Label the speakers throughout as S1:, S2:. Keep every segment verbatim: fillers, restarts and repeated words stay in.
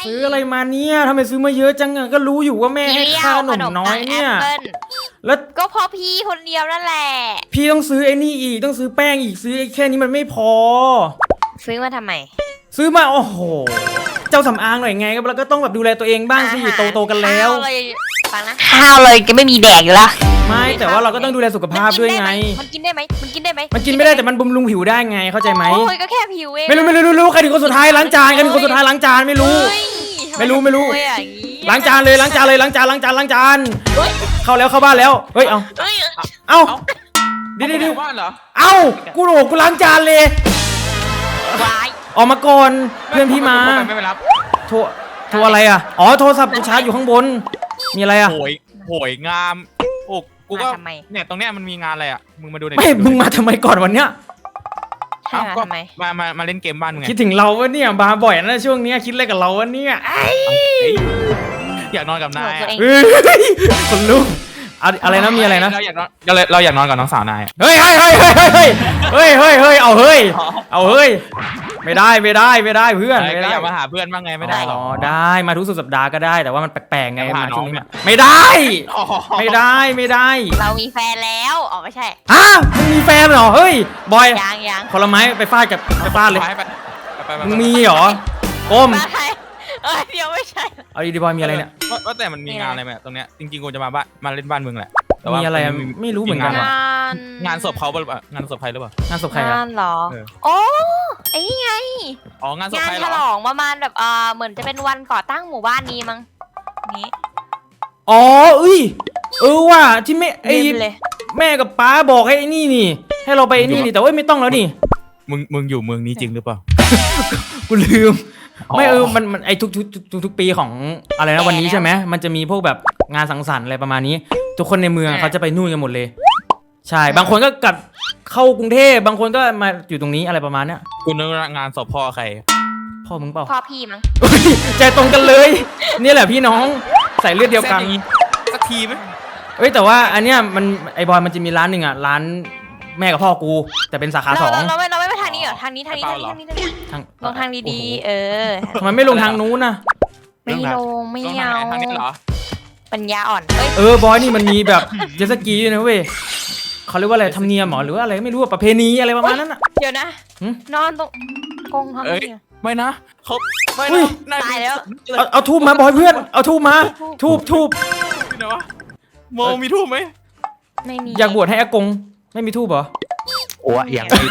S1: ซื้ออะไรมาเนี่ยทำไมซื้อมาเยอะจังอะก็รู้อยู่ว่าแม่ให้ค่าขนมน้อยเนี่ยแล้ว
S2: ก็พอพี่คนเดียวนั่นแหละ
S1: พี่ต้องซื้อไอ้นี่อีกต้องซื้อแป้งอีกซื้อแค่นี้มันไม่พอ
S2: ซื้อมาทำไม
S1: ซื้อมาโอ้โหเจ้าสำอางหน่อยไงก็แล้วก็ต้องแบบดูแลตัวเองบ้างสิโตโตกันแล้ว
S2: ฟังนะข้าวเลยก็ไม่มีแดกอยู่ละ
S1: ไม่แต่ว่าเราก็ต้องดูแลสุขภาพด้วยไง
S2: มันกินได้ไหมมันกินได้ไหม
S1: มันกินไม่ได้แต่มันบำรุงผิวได้ไงเข้าใจไหม
S2: โอ้ยก็แค่ผิวเอง
S1: ไม่รู้ไม่รู้รู้ใครถึงคนสุดท้ายล้างจานใครถึงคนสุดท้ายล้างจานไม่รู้ไม่รู้ไม่รู้ล้างจานเลยล้างจานเลยล้างจานล้างจานล้างจานเข้าแล้วเข้าบ้านแล้วเฮ้ยเอาเอาดิดิดิเอากูโหกูล้างจานเลยออกมาก่อนเพื่อนพี่มา
S3: ไม่ไปรับ
S1: โทรโทรอะไรอ่ะอ๋อโทรศัพท์กูชาร์จอยู่ข้างบนมีอะไรอ่ะ
S3: โหยโหยงามโอ้กูก็เนี่ยตรงเนี้ยมันมีงานอะไรอ่ะมึงมาดูหน่อย
S1: ไม่มึงมาทำไมก่อนวันเนี้ย
S3: เอ้าก็มามามาเล่นเกมบ้านมึงไง
S1: คิดถึงเราวะเนี่ยมาบ่อยนะช่วงนี้คิดอะไรกับเราวะเนี่ย
S3: อยากนอนกับนาย
S1: คนลุกอะไรนะมีอะไรนะ
S3: เราอยากนอนเราอยากนอนกับน้องสาวนาย
S1: เฮ้ยเฮ้ยเฮ้ยเฮ้ยเฮ้ยเฮ้ยเฮ้ยเอาเฮ้ยเอาเฮ้ยไม่ได้ไม่ได้ไม่ได้เพื่อน
S3: ไม่ได้อยากมาหาเพื่อนบ้างไงไม่ได้หรอ
S1: ได้มาทุกสุดสัปดาห์ก็ได้แต่ว่ามันแปลกๆไงมาช่วงนี้ไม่ได้ไม่ได้ไม่ได้
S2: เรามีแฟนแล้วอ๋อไม่ใช่
S1: ฮะมึงมีแฟนเหรอเฮ้ยบอย
S2: ยังยัง
S1: ผลไม้ไปฟาดกับไปฟาดเลยมึงมีเหรอก้ม
S2: เออเดี๋ยวไม่ใช่
S1: เอาดีๆบอยมีอะไรเนี่ย
S3: ว่าแต่มันมีงานอะไรไหมตรงเนี้ยจริงๆกูจะมาบ้านมาเล่นบ้านมึงแหละ
S1: มีอะไรไม่รู้เหมือนกัน
S3: งานศพเขาหรือเปล่างานศพใครหรือเปล่าง
S1: านศพใครอะ
S2: งานหรอโอ้ไอ้นี่ไง
S3: อ๋องานศพใครหรองาน
S2: ฉลองประมาณแบบเออเหมือนจะเป็นวันก่อตั้งหมู่บ้านนี้มั้งนี้
S1: อ๋อเอ้ยเออว่ะที่แม่ไอ้แม่กับป้าบอกให้ไอ้นี่นี่ให้เราไปนี่นี่แต่ว่าไม่ต้องแล้วนี่
S3: มึงมึงอยู่เมืองนี้จริงหรือเปล่า
S1: กูลืมไม่เออมันมันไอ้ทุกทุกทุกทุกปีของอะไรนะวันนี้ใช่ไหมมันจะมีพวกแบบงานสังสรรค์อะไรประมาณนี้ทุกคนในเมืองเขาจะไปนู่นกันหมดเลยใช่บางคนก็กลับเข้ากรุงเทพบางคนก็มาอยู่ตรงนี้อะไรประมาณเนี้ย
S3: กูนึกงานศพพ่อใคร
S1: พ่อมึงเปล่า
S2: พ่อพี่มั้ง
S1: ใจตรงกันเลยนี่แหละพี่น้องใส่เลือดเดียวกัน
S3: สักทีไหม
S1: เอ้ยแต่ว่าอันเนี้ยมันไอ้บอยมันจะมีร้านหนึ่งอ่ะร้านแม่กับพ่อกูแต่เป็นสาขาสอง
S2: เราไม่เราไม่ไปทางนี้เหรอทางนี้ทางนี้ทางนี้ทางนี้ทางลงทางดีๆเออ
S1: ทำไมไม่ลงทางนู้นนะ
S2: ไม่ลงไม่เอาทางนี้เหรอปัญญาอ่อน
S1: เออบอยนี่มันมีแบบเจสกีด้วยนะเว้ยเขาเรียกว่าอะไรธรรมเนียมหรอหรือว่าอะไรไม่รู้ประเพณีอะไรประมาณนั้นอ่ะ
S2: เดี๋ยวนะนอนตรงกงทำไม
S3: ไม่นะเขาไม่
S2: นะตายแล้ว
S1: เอาเอาทูบมาบอยเพื่อนเอาทูบมาทูบทูบ
S3: โมมีทูบไหม
S2: ไม่มี
S1: อยากบวชให้อากงไม่มีทูบเหรอ
S4: โอ้ยอย่าง
S1: นี้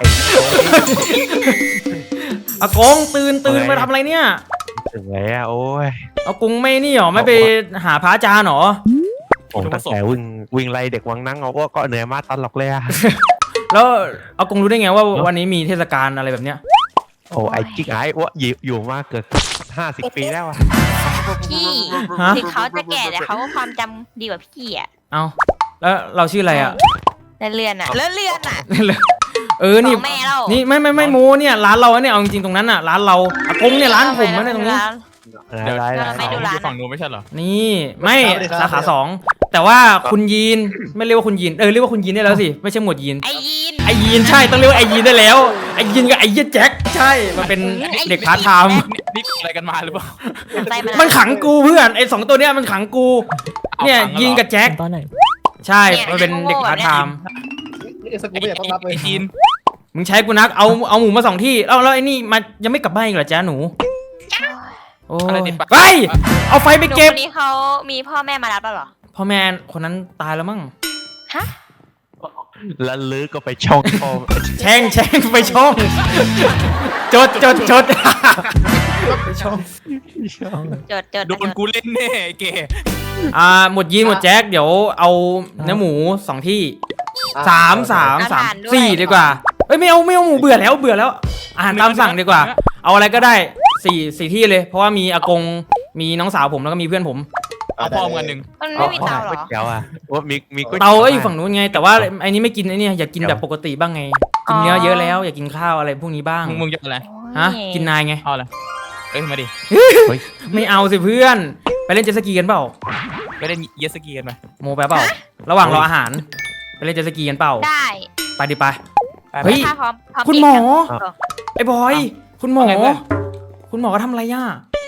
S1: อากงตื่นตื่นมาทำอะไรเนี่ย
S4: ถึงแล้วโอ้ย
S1: อากงไม่นี่หรอไม่ไปหาพระอาจารย์หรอ
S4: ผมตั้งแต่วิ่งวิ่งไล่เด็กวังนั่งเอาก็เหนื่อยมากตลอดเลยอะ
S1: แล้วอากงรู้ได้ไงว่าวันนี้มีเทศกาลอะไรแบบเนี้ย
S4: โอ้ไอ้จิ๊กไอ้ว่าอยู่มาเกิดห้าสิบปีแล้วอะ
S2: พี่ถึงเขาจะแก่แต่เขาก็ความจำดีกว่าพี่อ่ะ
S1: เอาแล้วเราชื่ออะไรอ่ะ
S2: เลื่อนอ่ะเลื่อนเลื่อนอ่ะ
S1: เออนี่นี่ไม่ไม่ไม่โมเนี่ยร้านเราเนี่ยเอาจริงๆตรงนั้นอ่ะร้านเราอากงเนี่ยร้านผมนะเนี่ยตรงนี้
S3: เดี๋ยวไม่ดูร้านฝั่งนู้นไม่ใช่เหรอ
S1: นี่ไม่สาขาสองแต่ว่าคุณยีนไม่เรียกว่าคุณยีนเออเรียกว่าคุณยีนได้แล้วสิไม่ใช่หมวดยีน
S2: ไอยีน
S1: ไอยีนใช่ต้องเรียกว่าไอยีนได้แล้วไอยีนกับไอเยี่ยแจ็คใช่มันเป็นเด็กพาร์ทไทม์
S3: นี่อะไรกันมาหรือเปล่า
S1: มันขังกูเพื่อนไอสองตัวเนี้ยมันขังกูเนี่ยยีนกับแจ็ค
S5: ตอนไหน
S1: ใช่มันเป็นเด็กพาร์ทไทม์
S3: สกูไม่อยากต้องรับเลยยีน
S1: มึงใช้กูนักเอาเอาหมูมาสองที่แล้วแล้วไอ้นี่มายังไม่กลับบ้านอีกเหรอจ๊ะหนูโอ้ยไปเอาไฟไปเก็บ
S2: คนนี้เขามีพ่อแม่มารับแล้วเหรอ
S1: พ่อแม่คนนั้นตายแล้วมั้ง
S2: ฮะ
S4: แล้วลือก็ไปช่อง
S1: แช่งแช่งไปช่องจดจดจดช่อง
S2: จดจด
S3: โดนกูเล่นแน่เก๋
S1: อ่าหมดยีนหมดแจ็คเดี๋ยวเอาเนื้อหมูสองที่สามสามสามสี่ดีกว่าเอ้ยไม่เอาไม่เอาหมูเบื่อแล้วเบื่อแล้วอาหารตามสั่งดีกว่าเอาอะไรก็ได้สี่สี่ที่เลยเพราะว่ามีอากงมีน้องสาวผมแล้วก็มีเพื่อนผม
S3: เอาพ่อมึงอันหนึ่ง
S2: มันไม่มีเตาหรอ
S4: เตาอ่ะว่ามีมี
S1: เตาก็อยู่ฝั่งนู้นไงแต่ว่าไอ้นี้ไม่กินไอ้นี่อยากกินแบบปกติบ้างไงกินเนื้อเยอะแล้วอยากกินข้าวอะไรพวกนี้บ้าง
S3: มึงมึงจะอะไร
S1: ฮะกินนายไง
S3: เอาอะไรเอ้ยมาดิ
S1: ไม่เอาสิเพื่อนไปเล่นเจ็ตสกีกันเปล่า
S3: ไปเล่นเยสกีกันไหม
S1: โมไปเปล่าระหว่างรออาหารไปเล่นเจ็ตสกีกันเปล่า
S2: ได้
S1: ไปดิไป
S2: เฮ้ย
S1: คุณหมอไอ้บอยคุณหมอคุณหมอก็ทำอะไรย่า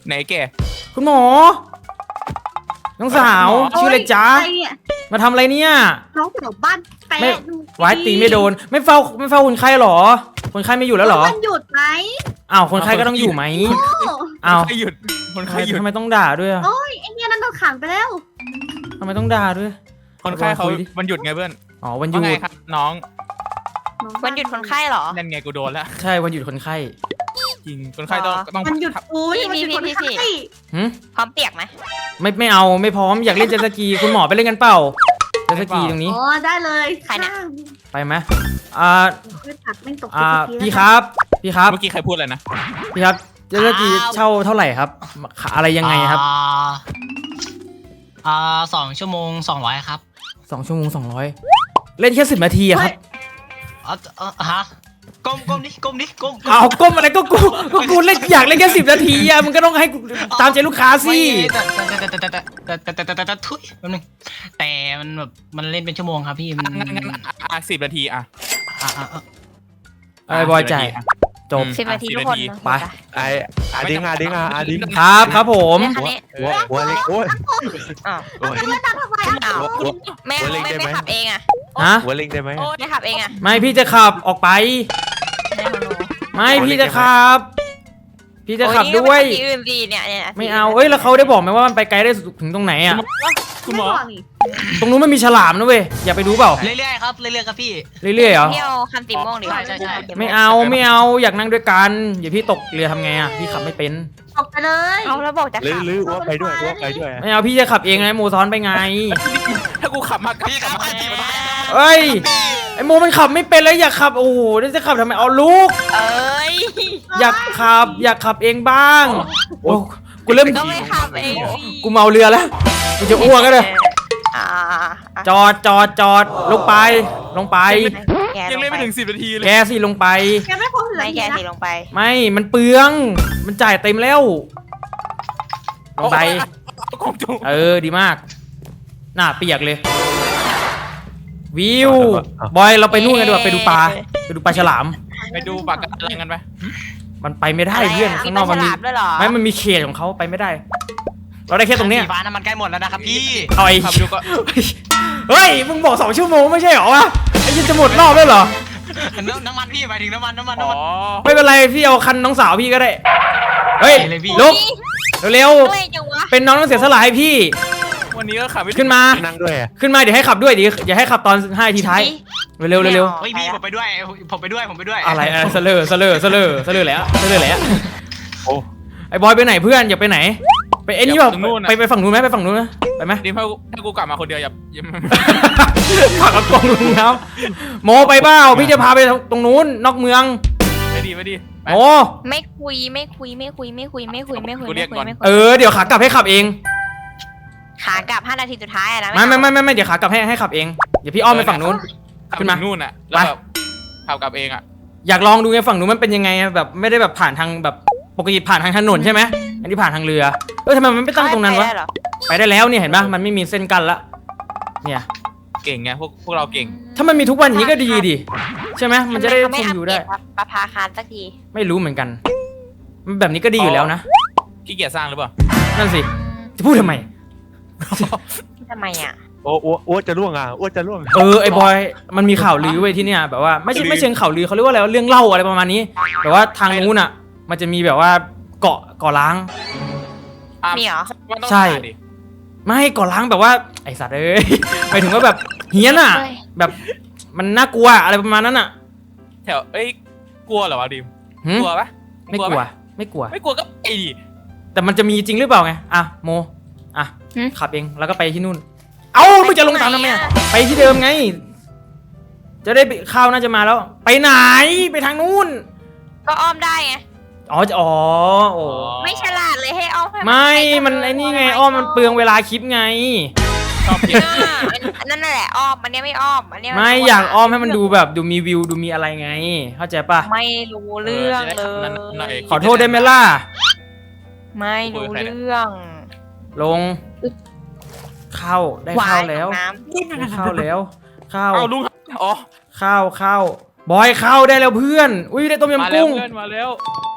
S3: ไหนแก
S1: คุณหมอน้องสาวชื่ออะไรจ๊ะ
S5: ใครเนี่ย
S1: มาทำอะไรเนี่ย
S5: น้องแถวบ้านแปะ
S1: ไม่
S5: ดู
S1: ไว้ตีไม่โดน ไม่เฝ้าไม่เฝ้าคนไข้หรอ คนไข้ไม่อยู่แล้วหรอ
S5: มันหยุดไหม
S1: อ้าวคนไข้ก็ต้องอยู่ไหม
S5: โอ้
S1: อ้าว
S3: ใครหยุดคนใครหยุด
S1: ทำไมต้องด่าด้วยอะ
S5: โอ้ยไอเนี่ยนั่นโดนขังไปแล้ว
S1: ทำไมต้องด่าด้วย
S3: คนไข้เขา
S1: คุยดิ
S3: มันหยุดไงเพื่อน
S1: อ๋อวันหยุ
S3: ว่า
S1: ด
S3: ไงครับน้อง
S2: วันหยุดคนไข้เหรอ
S3: นั่นไงกูโดนแล้ว
S1: ใช่วันหยุดคนไข้
S3: จริงคนไข้ต้อง
S2: อ๋อ
S3: ต้อง
S5: มันหยุดอุ้ยมันหยุดคนไข้
S1: หืม
S2: พร้อมเปียกไหม
S1: ไม่ไม่เอาไม่พร้อมอยากเล่นเจ็ตสกีคุณหมอไปเล่นกันเปล่าเจ็ตสกีตรงนี้
S5: อ๋อได้เลย
S2: ใครเนี่ย
S1: ไปไหมอ่า
S5: ไม่ตัดไม่ตก
S1: อ่า
S5: เจ็ด
S1: พี่
S5: นาที
S1: ครับ พี่ครับ
S3: เมื่อกี้ใครพูดอะไรนะ
S1: พี่ครับเจ็ตสกีเช่าเท่าไหร่ครับ อะไรยังไงครับ
S6: อ่าอ่าสองชั่วโมงสองร้อยครับ
S1: สองชั่วโมงสองร้อยเล่นแค่สิบนาทีอะครับ
S6: อ๋อเออฮะก้มก้มดิก้มดิก้ม
S1: เอาก้มอะไรก็กูก็กูเล่นอยากเล่นแค่สิบนาทีอะมึงก็ต้องให้กูตามใจลูกค้าสิ
S6: ไม่แต่แต่แต่แต่แต่แต่แต่แต่แต่ทุยแป๊บนึงแต่มันแบบมันเล่นเป็นชั่วโมงครับพี่มัน
S3: งั้นงั้นอ่ะสิบนาทีอ่ะ
S6: อ่ะอ่ะอ่ะ
S1: ไอ้บอยจ่าย
S3: สิบนาทีะ
S1: จบ
S3: อืม
S2: สิบนาทีทุกคน
S1: ไป
S4: ไอ้อาดิงอาดิงอาดิง
S1: ครับครับผม
S2: เนี่ยคันนี้
S4: หัวหัวเล็กโอ้ย
S2: อ้าว
S4: โอ้ย
S5: แล้วตัดทำไมอ่ะ
S2: อ้าว
S4: หัว
S2: ไม่
S4: หัวเล็ก
S2: ไม่
S4: ได้ไหม
S2: ไม่ขับเองอ่ะ
S1: ฮะ
S4: หัวเล็กได้ไหม
S2: โอ้ไม่ขับเองอ่ะ
S1: ไม่พี่จะขับออกไป
S2: ไม่ของหนู
S1: ไม่พี่จะขับ พี่จะขับด้วย
S2: โอ้นี่ก็ไปขับที่อื่นดีเนี่ยเนี่ย
S1: ไม่เอาเอ้ยแล้วเขาได้บอกไหมว่ามันไปไกลได้ถึงตรงไหนอะ
S3: คุณหมอ
S5: ไบกนี่
S1: ตรงนู้นมันมีฉลามนะเว้ยอย่าไปดูเปล่า
S6: เรื่อยๆครับเรื่อยๆครับพี่
S1: เรื่อยๆเหรอ
S2: เที่ยวคันสีม่วงหรือ
S6: ใช่ใช่ใช่
S1: ไม่เอาไม่เอาอยากนั่งด้วยกันอย่าพี่ตกเรือทำไงอะพี่ขับไม่เป็น
S5: ออกไปเลย
S2: เอาแล้วบอกจะ
S4: หรือ
S2: ขับ
S4: หรือว่าไปด้วยว่าไปด้วย
S1: ไม่เอาพี่จะขับเองไงโมซ้อนไปไง
S3: ถ้ากูขับมากับ
S6: พี่ครับ
S3: มา
S6: พี่
S1: เอ้ยไอโมมันขับไม่เป็นแล้วอยากขับโอ้โหนี่จะขับทำไมเอาลูก
S2: เอ้ย
S1: อยากขับอยากขับเองบ้างโอ้กูเริ่ม
S2: ก็ไม่ขับเองสิ
S1: กูเมาเรือแล้วกูจะอ้วกก็เลย
S2: อ่า
S1: จอดจอดจอดลงไปลงไป
S2: แก
S3: ยัง
S2: ล
S3: เล่น
S2: ง
S3: ไม่
S2: ไป
S3: ถึงสิบนาทีเลย
S1: แกสิลงไป
S5: แกไม่พ้นเหลือ
S2: ไม่แก
S5: ที
S2: สิ
S5: นะ
S2: ลงไป
S1: ไม่มันเปลือง มันจ่ายเต็มแล้วลงไป
S3: กงจุง
S1: เออดีมากหน้าเปียกเลย วิวบอยเราไปนู่นกันดีกว่าไปดูปลาไปดูปลาฉลาม
S3: ไปดูปากกันอะไรกันไป
S1: มันไปไม่ได้เพื่อนข้างนอก
S2: มั
S1: มัน น
S2: มี
S1: มี
S2: ฉลามด้วยเหรอ
S1: ไม่มันมีเขตของเขาไปไม่ได้ เราได้แค่ตรงเนี้ย
S6: สีฟ้าน้ำมันใกล้หมดแล้วนะครับพี่
S1: เอาไอ้
S3: ขับดูก็
S1: เฮ้ยมึงบอกสองชั่วโมงไม่ใช่เหรอวะไอ้ยันจะหมดรอบแล้วเหรอ
S6: น้ำน้ำมันพี่หมายถึงน้ำมันน้ำมัน
S3: อ๋
S6: น้ำ
S3: อ
S6: มัน
S1: ไม่เป็นไรพี่เอาคันน้องสาวพี่ก็ได้เฮ้ย
S6: เลยพี่
S1: ลุกเร็ว
S2: ด้วยจังวะ
S1: ๆเป็นน้องต้องเสียสละให้พี่
S3: วันนี้ก็ขับไม่
S1: ขึ้นมา
S4: นั่งด้วยอะ
S1: ขึ้นมาเดี๋ยวให้ขับด้วยเดี๋ยวอย่าให้ขับตอนห้านาทีท้ายเร็วๆเร็ว
S6: เฮ้ยพี่ผมไปด้วยผมไปด้วยผมไปด้วย
S1: ๆอะไรอะไรเสลอเสลอเสลอเสลอแล้วเสลอแล้ว
S4: โอ้
S1: ไอ้บอยไปไหนเพื่อนอย่าไปไหน ไปไอ้นี่เปล่าไปไปฝั่งนู้นไหมไปฝั่งนู้นไหมไปไหม
S3: ดิมถ้ากูถ้ากูกลับมาคนเดียวอย่าอย่า
S1: ผักกระกงลุงครับโมไปเปล่าพี่จะพาไปตรงนู้นนอกเมือง
S3: ไม่ดีไม่ดีไป
S1: โม
S2: ไม่คุยไม่คุยไม่คุยไม่คุยไม่คุยไม่คุย
S3: กูเรี
S2: ไม่
S3: ยก
S2: คุย
S3: ก่อน
S2: ไม่คุย
S1: เออเดี๋ยวขากลับให้ขับเอง
S2: ขากลับห้านาทีสุดท้ายอะนะ
S1: ไม่ไม่ไม่ไม่ไม่เดี๋ยวขากลับให้ให้ขับเองเดี๋ยวพี่อ้อมไปฝั่งนู้น
S3: ขับ
S1: ขึ้นมา
S3: ถึงนู่นอ่ะแล้วแบบขับกลับเองอ่ะ
S1: อยากลองดูไงฝั่งนู้นมันเป็นยังไงอะแบบไม่ได้แบบผ่านทางแบบปกติผ่านทางถนนใช่ไหมอันนี้ผ่านทางเรือเออทำไมมันไม่ตั้งตรงนั้นวะ
S2: ไปได้เหรอ
S1: ไปได้แล้วเนี่ยเห็นปะมันไม่มีเส้นกั้นละเนี่ย
S3: เก่งไงพวกพวกเราเก่ง
S1: ถ้ามันมีทุกวันอย่างนี้ก็ดีดิใช่ไหมมันจะได้
S2: ทำ
S1: ค
S2: ม่
S1: งอยู่ได้
S2: ปเกรปลาพาคารสักที
S1: ไม่รู้เหมือนกันมันแบบนี้ก็ดีอยู่แล้วนะ
S3: ขี้เกียจสร้างหรือเปล่า
S1: นั่นสิจะพูดทำไม
S2: ทำไมอ่ะ
S4: โอ้อ้วอ้วจะล่วงอ่ะอ้วจะล่วง
S1: เออไอ้บอยมันมีข่าวลือไว้ยที่เนี่ยแบบว่าไม่ใช่ไม่เชิงข่าวลือเขาเรียกว่าอะไรวะเรื่องเล่าอะไรประมาณนี้แต่ว่าทางนู้นอ่ะ มันจะมีแบบว่าเกาะเกาะล้าง
S3: อ่ะ
S2: มีเหรอ
S3: มันต้อง
S1: ใช่
S3: หาดิ
S1: ไม่เกาะล้างแบบว่าไอสัตว์เอ้ย หมายถึงว่าแบบเฮี้ยนอ่ะ แบบมันน่ากลัวอะไรประมาณนั้นอ่ะ
S3: แถวเอ้ยกลัวเหรอวะดิม
S1: หึ
S3: กลัวปะ
S1: ไม่กลัว
S3: ปะ
S1: ไม่กลัว
S3: ไม่กลัวก็ไอ้ดิ
S1: แต่มันจะมีจริงหรือเปล่าไงอ่ะโมอ่ะ
S2: หึ
S1: ขับเองแล้วก็ไปที่นู่น เอ้ามึงจะลงตามทำไมอะไปที่เดิมไง จะได้ไปข้าวน่าจะมาแล้ว ไปไหนไปทางนู้น
S2: ก็อ้อมได้ไง
S1: อ๋อจะอ๋อโอ้
S2: ไม่ฉลาดเลยให้อ้อมให้
S1: ไม่ มันไอ้นี่ไงอ้อมมันเปลืองเวลาคลิปไง
S3: ชอบเก่ง
S2: อ่าอันนั่นแหละอ้อมอันเนี้ยไม่อ้อมอันเนี้ยน
S1: ไม่อยากอ้อมให้มันดูแบบดูมีวิวดูมีอะไรไง เข้าใจปะ
S2: ไม่รู้เรื่องเล
S3: นั่นหน่อย
S2: ย
S1: ขอโทษได้ไหมล่ะ
S2: ไม่รู้เรื่อง
S1: ลง เข้าได้เข้าแล้ว
S2: น้
S1: ได้เข้าแล้วเข้า
S3: เอาลุงอ๋อ
S1: เข้าเข้าบอยเข้าได้แล้วเพื่อน อุ้ยได้ต้ม
S3: มาย
S1: ำ
S3: แล้ว
S1: กุ้ง
S3: เพื่อนมาแล้ว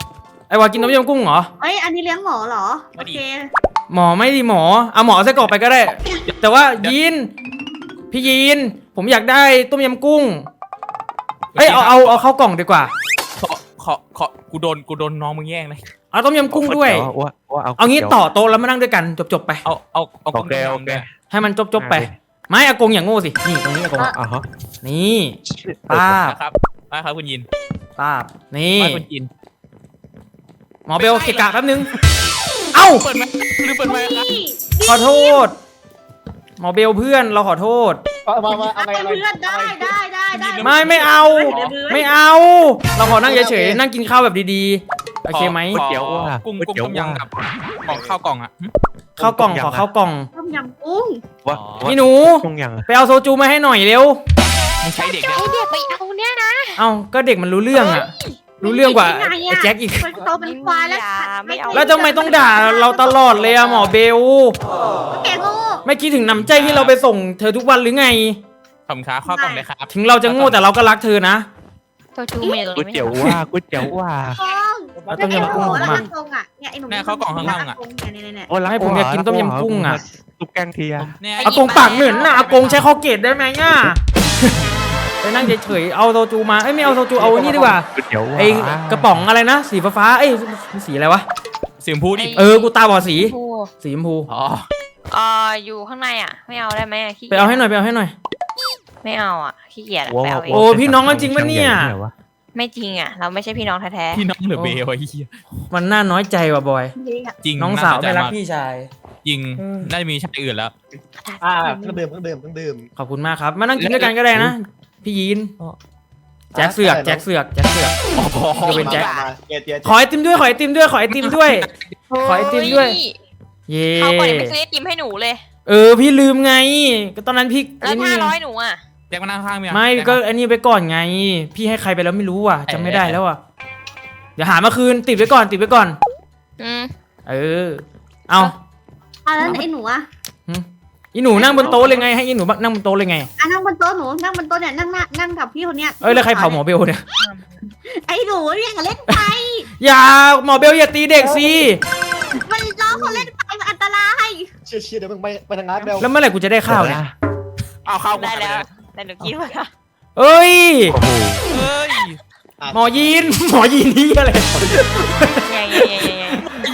S1: ไอ้วากินต้มยำกุ้งเหรอ
S5: เอ้ยอันนี้เลี้ยงหมอเหรอโอเค
S1: หมอไม่ดีหมอเอาหมอไส้กรอกไปก็ได้ แต่ว่ายีนพี่ยีนผมอยากได้ต้มยำกุ้งเอ้ยเอาเอาเอาเข้ากล่องดีกว่า
S3: ขอขอขอกูโดนกูโดนน้องมึงแย่งเลย
S1: เอาต้มยำกุ้งด้วย
S4: ว่าว่าเอา
S1: เอางี้ต่อโต๊ะแล้วมานั่งด้วยกันจบๆไป
S3: เอาเอาเอา
S4: โอเคโอเค
S1: ให้มันจบๆไป ไม่อากงอย่างโง่สินี่ตรงนี้อากง
S4: อ่ะฮะ
S1: นี่ป้าบ
S3: ครับไปครับคุณยิน
S1: ป้าบนี่
S3: ไปคุณยิน
S1: หมอเบลเกะกะแป๊บนึงเอ้า
S3: เปิดไหมหรือเปิดไหมครับ
S1: ขอโทษ หมอเบลเพื่อนเราขอโทษ
S7: มามาอะไร
S5: เป็น
S7: อะไร
S5: เพื่อนได้ได้ได้ได้
S1: ไม่ไม่เอา ไม่เอา เราขอนั่งเฉยๆนั่งกินข้าวแบบดีๆโอเคไหม
S3: ขอกุ้งกุ้งต้มยำกับของข้าวกล่องอ่ะ
S1: ข้าวกล่องขอข้าวกล่อง
S5: ต้มยำกุ้ง
S4: ว่า
S1: นี่หนู
S4: ต้องยัง
S1: ไปเอาโซจูมาให้หน่อยเร็ว
S3: ไม่ใช่เด็ก
S2: ไอเด็กไปเอาเนี่ยนะ
S1: เอ้าก็เด็กมันรู้เรื่องอะรู้เรื่องกว่าไอ้แจ็คอีก
S5: มันโตเป็นควายแล้ว
S2: ไม่เอา
S1: แล้วทำไมต้องด่าเราตลอดเลยอะหมอเบล
S5: แกโง่
S1: ไม่คิดถึงน้ำใจที่เราไปส่งเธอทุกวันหรือไง
S3: ขอบคุณครับข้าวกล่องเลยครับ
S1: ถึงเราจะโง่แต่เราก็รักเธอนะ
S2: โซจูเมล
S4: ก๋วยเตี๋ยวว่าก๋วยเตี๋ยวว่า
S5: กอง
S1: เอาต้มยำกุ้ง
S5: แล้ว
S1: มา
S5: กงอ่ะเนี่ยไอ้หนุ่มเนี่ยเนี่ย
S4: โอ้
S1: ให้ผมอยากกินต้มยำกุ้งอะ
S4: ตุ๊กแกงเทีย
S3: เนี่ย
S1: อากงปากเหม็นน่ะอากงใช้คอเกตได้ไหมง่ะ ไปนั่งเฉยๆเอาโซจูมาเอ้ยไม่เอาโซจูเอาอันนี้ดีกว่า
S4: ก๋วยเตี๋ยวว่า
S1: ไอ้กระป๋องอะไรนะสีฟ้าๆเอ้ยสีอะไรวะ
S3: เสียงพูดดิ
S1: เออกูตาบอดสีสีชมพู
S3: อ๋อ
S2: เอออยู่ข้างในอ่ะ ไม่เอาได้ไหมอะขี้
S1: ไปเอาให้หน่อยไปเอาให้หน่อย
S2: ไม่เอาอ่ะขี้เกียจอะ
S4: ว่า
S2: ไปเอาเอ
S1: โอ้
S2: ง
S1: พี่น้องกันจริงปะเนี่ย
S2: ไม่จริงอ่ะ เราไม่ใช่พี่น้องแท้
S3: พี่น้องหรือเบลไอ้เหี้ย
S1: มันน่าน้อยใจว่ะบอย
S3: จริง
S1: น้องสาวไม่รักพี่ชาย
S3: จริงน่าจะมีชาติอื่นแล้ว
S2: ๆ
S7: อ่าเครื่องดื่มเครื่องดื่มเครื่องดื่ม
S1: ขอบคุณมากครับมานั่งกินด้วยกันก็ได้นะพี่ยีนแจ็คเสือกแจ็คเสือกแจ็คเสือก จะเป็นแจ็ค
S7: มาเจียเจีย
S1: ขอไอติมด้วยขอไอติมด้วยขอไอติมด้วย ขอไอติมด้วย เย่
S2: เขาก่อนยังไม่ซื้อไอติมให้หนูเลย
S1: เออพี่ลืมไงก็ตอนนั้นพี่
S2: แล้วห้าร้อยหนูอ่ะ
S3: แจ็คมานั่งข้างมี
S1: ไม่ก็อันนี้ไปก่อนไง พี่ให้ใครไปแล้วไม่รู้อ่ะจำไม่ได้แล้วอ่ะเดี๋ยวหามาคืนติดไว้ก่อนติดไว้ก่อน
S2: อืม
S1: เออ เอา
S5: อ่ะแล้วไอ้หนูอ่ะ
S1: อีหนูนั่งบนโต๊ะเลยไงให้อีหนูนั่งบนโต๊ะเลยไง
S5: อ่ะนั่งบนโต๊ะหนูนั่งบนโต๊ะเนี่ยนั่งนั่งกับพี่คนเนี้ย
S1: เอ้ยแล้วใครเผาหมอเบลเนี่ย
S5: ไอ้หนูเนี่ยเล่นไป
S1: อย่าหมอเบลอย่าตีเด็กสิ
S5: มันล้อเขาเล่นไปมันอันตราย
S7: เชี่ยเชี่ยเดี๋ยวมึงไปไปทางร้านเร็ว
S1: แล้วเมื่อไหร่กูจะได้ข้าวเนี่ย
S3: เอาข้าว
S2: ได้แล้ว แต่หนูกินไปแล้ว
S1: เอ้ย
S4: โอ้โห
S3: เฮ้ย
S1: หมอยีนหมอยีนนี่อะไร
S2: ไงไงไงไงไง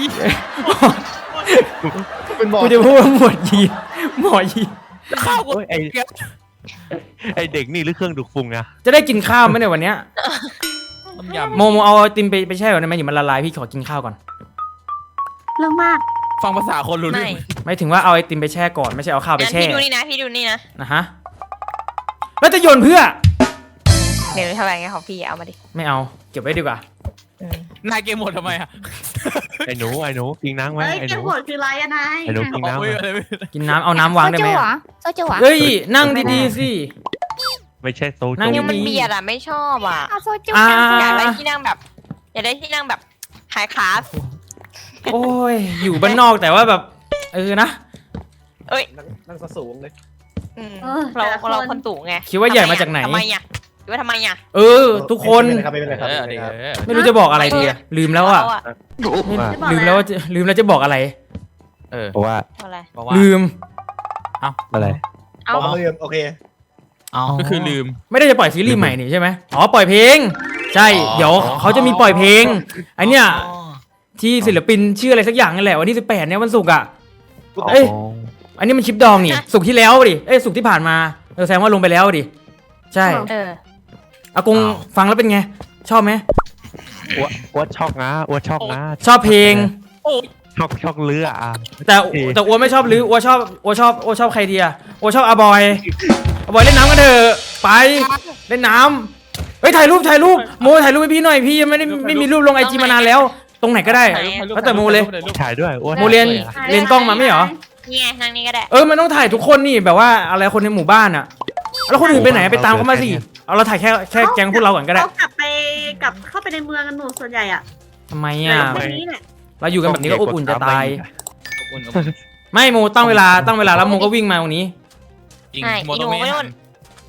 S7: เป็นบอก
S1: กูจะพูดว่าหมวดยีนหมอยีน
S3: ข้าวกู
S4: โอ้ยไอไอเด็กนี่หรือเครื่องดูดฝุ่นอะ
S1: จะได้กินข้าวไหมเนี่ยวันเนี้ย
S3: ต้มยำ
S1: โมโมเอาไอติมไปไปแช่ก่อนได้ไหมอย่ามันละลายพี่ขอกินข้าวก่อน
S5: เรื่องมาก
S3: ฟังภาษาคนรู้
S2: ไม่
S3: เรื่อง
S1: ไม่ถึงว่าเอาไอติมไปแช่ก่อนไม่ใช่เอาข้าวไป
S2: งั้น
S1: แช่
S2: พี่ดูนี่นะพี่ดูนี่นะ
S1: นะฮะแล้วจะโยนเพื่อ
S2: เดี๋ยวเท่าไหร่ไงของพี่เอามาดิ
S1: ไม่เอาเก็บไว้ดีกว่า
S2: อืม
S3: นายเกมหมดทำไมอ่ะ
S4: ไอหนูไอหนูกินน้ำไหม
S5: เฮ้ย
S4: ไอห
S5: เก
S4: นู
S5: มโหดคืออะไรอะนาย
S4: ไอหนูกินน้ำไหม
S3: โอ้ยอะไรไม่
S1: กินน้ำเอาน้ำวางได้ไหมอะ
S2: โซจูเหรอ
S1: เฮ้ยนั่งดีๆสิ
S4: ไม่ใช่โซ
S1: นั่ง
S4: จู
S2: ยังมันเบียดอ่ะไม่ชอบอ่ะ
S5: เอาโซจู
S1: อ่า
S2: อยากได้ที่นั่งแบบ อยากได้ที่นั่งแบบไฮคลาส
S1: โอ้ยอยู่บ้านนอกแต่ว่าแบบเออนะ
S7: นั่งสูงเลย
S2: อืมเราเราคนตู่ไง
S1: คิดว่าใหญ่มาจากไหน
S2: ทำไมอ่ะคิดว่าทำไมอ่ะ
S1: เออ ทุกคน
S7: ไม่เป็นไรครับไม่เป็นไรครับ
S3: เอ
S7: ไม่
S3: อ
S7: เป็นไร
S3: เดี๋ยว
S7: ครับ
S1: ไม่รู้จะบอกอะไรดีอะลืมแล้วอะ
S2: เราอะ
S4: ว่า
S1: ลืมแล้วว่าจะลืมแล้วจะบอกอะไร
S3: เออ
S4: เพราะว่า
S2: อะไร
S3: บอกว่า
S1: ลืม
S4: อะไร
S2: เอา
S7: บอกมาเรียนโอเค
S6: อ๋อ
S3: ก็คือลืม
S1: ไม่ได้จะปล่อยซีรีส์ใหม่นี่ใช่ไหมอ๋อปล่อยเพลง ใช่
S3: อ๋อ
S1: เดี๋ยวเขาจะมีปล่อยเพลงไอเนี้ย
S6: อ๋อ
S1: ที่ศิลปินชื่ออะไรสักอย่างนั่นแหละวันที่สิบแปดเนี่ยวันศุกร์อะ
S4: อ๋อ
S1: เอ้ย อันนี้มันคลิปดองนี่ศุกร์ที่แล้วดิเอ้ยศุกร์ที่ผ่านมาเออแสดงว่าลงไปแล้วดิใช่
S2: เออ
S1: อากงฟังแล้วเป็นไง ชอบไหม
S4: อ้วอ้วชอบนะอ้วชอบนะ
S1: ชอบเพลง
S3: โอ้ย
S4: ชอบชอบเรืออ่ะ
S1: แต่แต่อัวไม่ชอบลืออัวชอบอัวชอบอัวชอบใครดีอะอัวชอบอาบอยอาบอยเล่นน้ำกันเถอะไปเล่นน้ำเฮ้ยถ่ายรูปถ่ายรูปโมถ่ายรูปให้พี่หน่อยพี่ยังไม่ได้ไม่มีรูปลงไอจีมานานแล้ว ตรงไหนก็ได้ แล้วแต่โมเลย
S4: ถ่ายด้วยอ้ว
S1: โมเรียน เรียนกล้องมาไม่เหรอ
S2: นี่ไงนั่งนี่ก็ได้
S1: เออมันต้องถ่ายทุกคนนี่แบบว่าอะไรคนในหมู่บ้านอะแล้วคนอื่นไปไหนไปตามเขามาสิเอาเราถ่ายแค่แค่แก๊งพวกเราก่อนก็ได้
S5: เขากลับไปกลับเข้าไปในเมืองกันหนูส่วนใหญ่อะ
S1: ทำไม
S5: ใน
S1: อะ
S5: วันนี้เนี่ย
S1: เราอยู่กันแบบนี้ก็อบอุ่นจะตาย
S3: อุ่นๆ
S1: ไม่โมตั้งเวลาตั้งเวลาแล้วโมก็วิ่งมาตรงนี้
S3: จริง
S2: ใช่
S3: โม
S2: อีห
S3: โต
S2: นู
S3: เมะ
S2: ไม่นู่น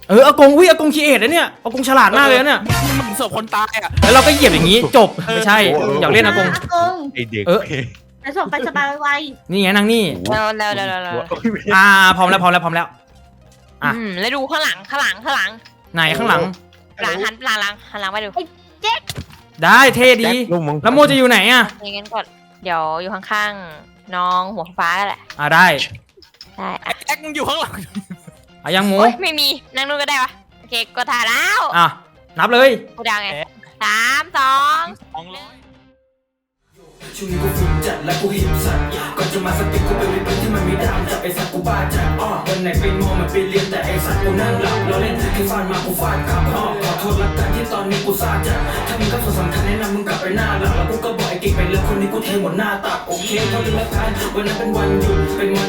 S1: เอออากงอุ้ยอากงคีเอทนะเนี่ยอากงฉลาดมากเลยนะเนี่ย
S3: มึงศพคนตายอ่ะ
S1: แล้วเราก็เหยียบอย่างนี้จบไม่ใช่อยากเล่นอากง
S5: อากง
S4: ไอเด็ก
S1: เออ
S5: เดี๋ยวส่งไปสบายไว
S1: นี่ไงนั่งนี่
S2: เราเราเราเราเรา
S1: อ่าพร้อมแล้วพร้อมแล้วพร้อมแล้ว อ่ะ
S2: อืมแล้วดูข้างหลังข้างหลังข้างหลัง
S1: ไหนข้างหลัง
S2: หลังหันหลังหลังหันหลังมาดู
S1: ได้เท่ดี
S4: ลูกมึง
S1: แล้วโมจะอยู่ไหนอ่ะ
S2: อย่างงั้นก่อนเดี๋ยวอยู่ข้างๆน้องหัวฟ้าแหละ
S1: อ่าได้
S2: ได้อะ
S3: แจ็คมึงอยู่ข้างหลัง
S1: อ่ะยังโม
S2: โอ๊ยไม่มีนั่งนู่นก็ได้ปะโอเคก็ถ่ายแล้ว
S1: อ่ะนับเลย
S2: กูดังไงสามสอง
S3: สองร้อย
S8: ช่วงนี้กูฟุ้งจัดและกูหิวสัตว์ก่อนจะมาสติกกูไปในพื้นที่มันไม่ดามจับไอ้สัตว์กูบ้าจัดอ้อวันไหนไปมองมันไปเรียนแต่ไอ้สัตว์กูนั่งหลับเราเล่นให้ฟาดมากูฟาดขับอ้อขอโทษละกันที่ตอนนี้กูซาจัดถ้ามึงก็ส่วนสำคัญแนะนำมึงกลับไปหน้าหลักแล้วกูก็บอกไอ้กิ๊กไปแล้วคนนี้กูเทหมดหน้าตักโอเคพอดีละกันวันนั้นเป็นวันหยุดเป็นวัน